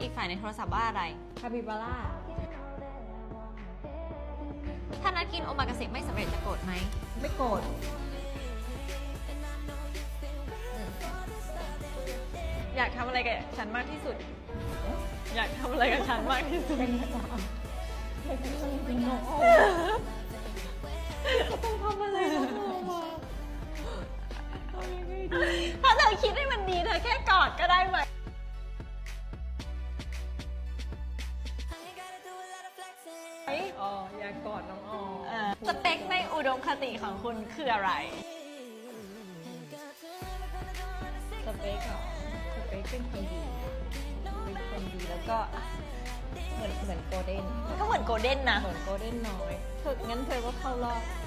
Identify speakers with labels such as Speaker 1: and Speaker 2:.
Speaker 1: กฝ่ายในโทรศัพท์ว่าอะไร
Speaker 2: คาปิบาร่า
Speaker 1: ถ้านัดกินโอมากาเสะไม่สำเร็จจะโกรธไหม
Speaker 2: ไม่โกรธ
Speaker 1: อยากทำอะไรกับฉันมากที่สุด อยากทำอะไรกับฉันมากที่สุด
Speaker 2: เป็นประจำเป็นจริงๆน้องโอก็ต้องทำอะไรน้องโอมาเอายังไงดี
Speaker 1: ถ้าเธอคิดให้มันดีเธอแค่กอดก็ได้ไหม
Speaker 2: อ๋ออยากกอดน้องออ
Speaker 1: สเปคในอุดมคติของคุณคืออะไร
Speaker 2: สเปคเหรอสเปคเป็นคนดีเป็นคนดีแล้วก็เหมือนโกลเด้น
Speaker 1: มันก็เหมือนโกลเด้นนะ
Speaker 2: เหมือนโกลเด้นน้อยงั้นเธอก็เข้ารอบ